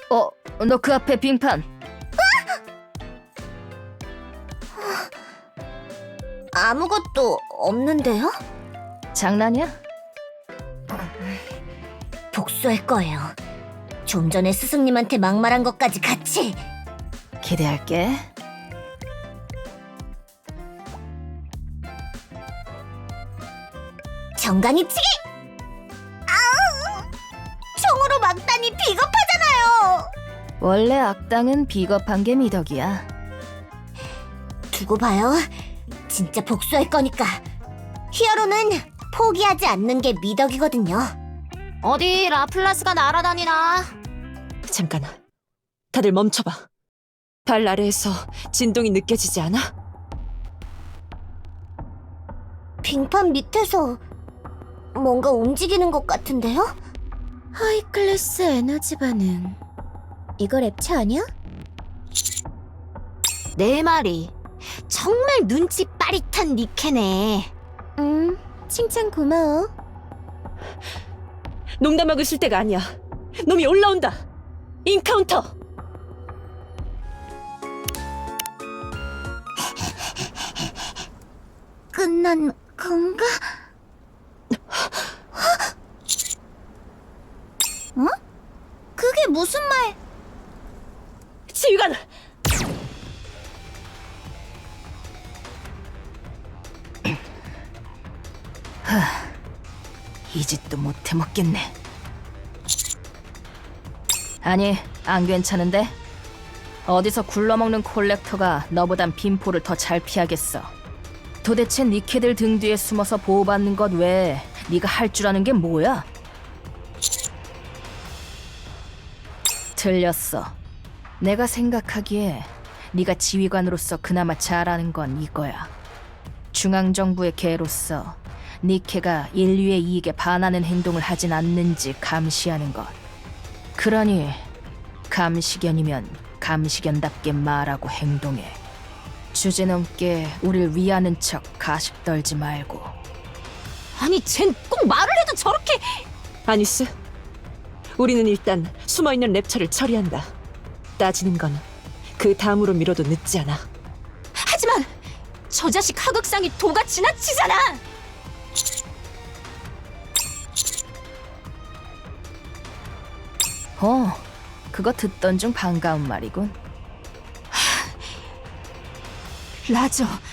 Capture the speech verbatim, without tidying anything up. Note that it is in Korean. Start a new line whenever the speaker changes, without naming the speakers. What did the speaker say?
어, 너 그 앞에 빙판.
아무것도 없는데요?
장난이야?
복수할 거예요. 좀 전에 스승님한테 막말한 것까지 같이.
기대할게.
정강이치기! 아우! 총으로 막다니 비겁하잖아요!
원래 악당은 비겁한 게 미덕이야.
두고 봐요. 진짜 복수할 거니까. 히어로는 포기하지 않는 게 미덕이거든요. 어디 라플라스가 날아다니나?
잠깐, 다들 멈춰봐. 발 아래에서 진동이 느껴지지 않아?
빙판 밑에서 뭔가 움직이는 것 같은데요? 하이클래스 에너지 반응. 이거 랩차 아니야? 내 말이 정말 눈치 빠릿한 니케네. 음, 칭찬 고마워.
농담하고 있을 때가 아니야. 놈이 올라온다. 인카운터.
끝난 건가? 어? 그게 무슨 말?
지휘관!
이 짓도 못해 먹겠네. 아니, 안 괜찮은데? 어디서 굴러먹는 콜렉터가 너보단 빈포를 더 잘 피하겠어. 도대체 니케들 등 뒤에 숨어서 보호받는 것 외에 네가 할 줄 아는 게 뭐야? 틀렸어. 내가 생각하기에 네가 지휘관으로서 그나마 잘하는 건 이거야. 중앙정부의 개로서 니케가 인류의 이익에 반하는 행동을 하진 않는지 감시하는 것. 그러니 감시견이면 감시견답게 말하고 행동해. 주제넘게 우릴 위하는 척 가식 떨지 말고.
아니, 쟨 꼭 말을 해도 저렇게...
아니스, 우리는 일단 숨어있는 랩처를 처리한다. 따지는 건 그 다음으로 미뤄도 늦지 않아.
하지만 저 자식 하극상이 도가 지나치잖아!
어, 그거 듣던 중 반가운 말이군.
라저,